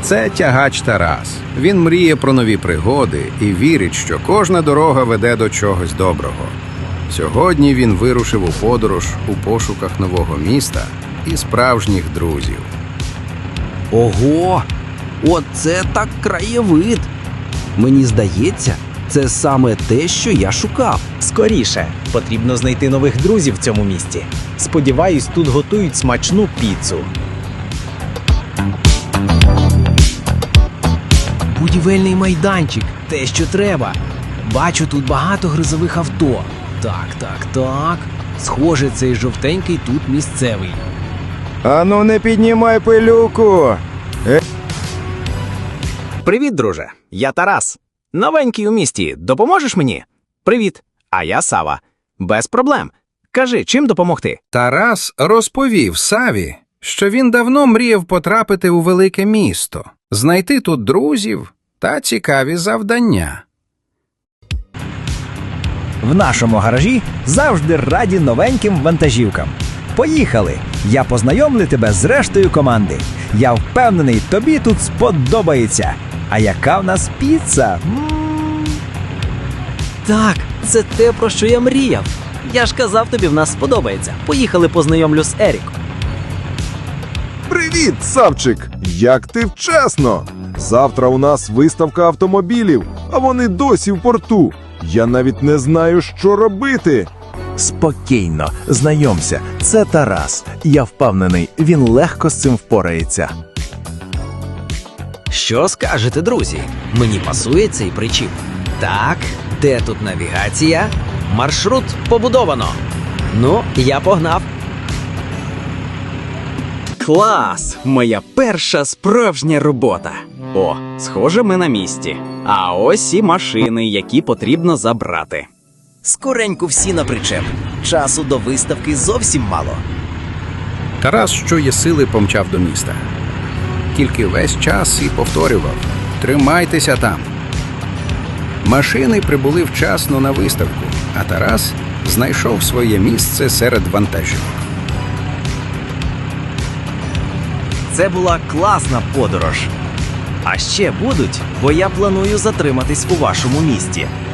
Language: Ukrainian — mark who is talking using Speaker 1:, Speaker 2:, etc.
Speaker 1: Це тягач Тарас. Він мріє про нові пригоди і вірить, що кожна дорога веде до чогось доброго. Сьогодні він вирушив у подорож у пошуках нового міста і справжніх друзів.
Speaker 2: Ого! Оце так краєвид! Мені здається, це саме те, що я шукав.
Speaker 3: Скоріше, потрібно знайти нових друзів в цьому місті. Сподіваюсь, тут готують смачну піцу. Будівельний майданчик – те, що треба. Бачу тут багато грузових авто. Так. Схоже, цей жовтенький тут місцевий.
Speaker 4: Ану, не піднімай пилюку!
Speaker 3: Привіт, друже. Я Тарас. Новенький у місті. Допоможеш мені? Привіт. А я Сава. Без проблем. Кажи, чим допомогти?
Speaker 1: Тарас розповів Саві, що він давно мріяв потрапити у велике місто, знайти тут друзів та цікаві завдання.
Speaker 5: В нашому гаражі завжди раді новеньким вантажівкам. Поїхали! Я познайомлю тебе з рештою команди. Я впевнений, тобі тут сподобається. А яка в нас піца?
Speaker 6: Так, це те, про що я мріяв. Я ж казав тобі, в нас сподобається. Поїхали, познайомлю з Еріком.
Speaker 4: Привіт, Савчик! Як ти вчасно! Завтра у нас виставка автомобілів, а вони досі в порту. Я навіть не знаю, що робити.
Speaker 7: Спокійно, знайомся, це Тарас. Я впевнений, він легко з цим впорається.
Speaker 6: Що скажете, друзі? Мені пасує цей причіп. Так, де тут навігація? Маршрут побудовано. Ну, я погнав.
Speaker 3: Клас! Моя перша справжня робота. О, схоже, ми на місці. А ось і машини, які потрібно забрати.
Speaker 6: Скоренько всі на причеп. Часу до виставки зовсім мало.
Speaker 1: Тарас, що є сили, помчав до міста. Тільки весь час і повторював: «Тримайтеся там». Машини прибули вчасно на виставку, а Тарас знайшов своє місце серед вантажівок.
Speaker 2: Це була класна подорож. А ще будуть, бо я планую затриматись у вашому місті.